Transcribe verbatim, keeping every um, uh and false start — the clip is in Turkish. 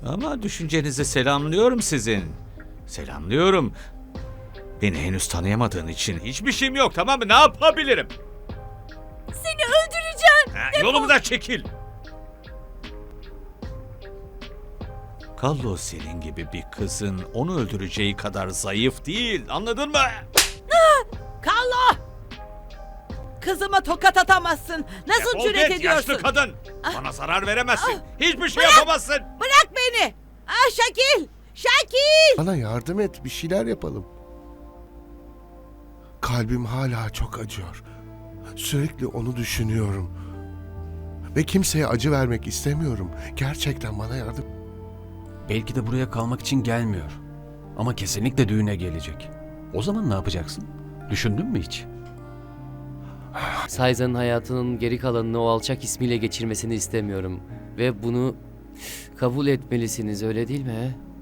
Ama düşüncenizi selamlıyorum sizin. Selamlıyorum. Beni henüz tanıyamadığın için hiçbir şeyim yok, tamam mı? Ne yapabilirim? Seni öldüreceğim. Ha, yolumdan çekil. Kallo senin gibi bir kızın onu öldüreceği kadar zayıf değil, anladın mı? Kallo! Kızıma tokat atamazsın. Nasıl Defol cüret git, ediyorsun? yaşlı kadın. Bana zarar veremezsin. Hiçbir şey Bırak! yapamazsın. Bırak beni. Ah Şakil! Şakil! Bana yardım et, bir şeyler yapalım. Kalbim hala çok acıyor. Sürekli onu düşünüyorum. Ve kimseye acı vermek istemiyorum. Gerçekten bana yardım... Belki de buraya kalmak için gelmiyor. Ama kesinlikle düğüne gelecek. O zaman ne yapacaksın? Düşündün mü hiç? Sayza'nın hayatının geri kalanını o alçak ismiyle geçirmesini istemiyorum. Ve bunu kabul etmelisiniz, öyle değil mi? he?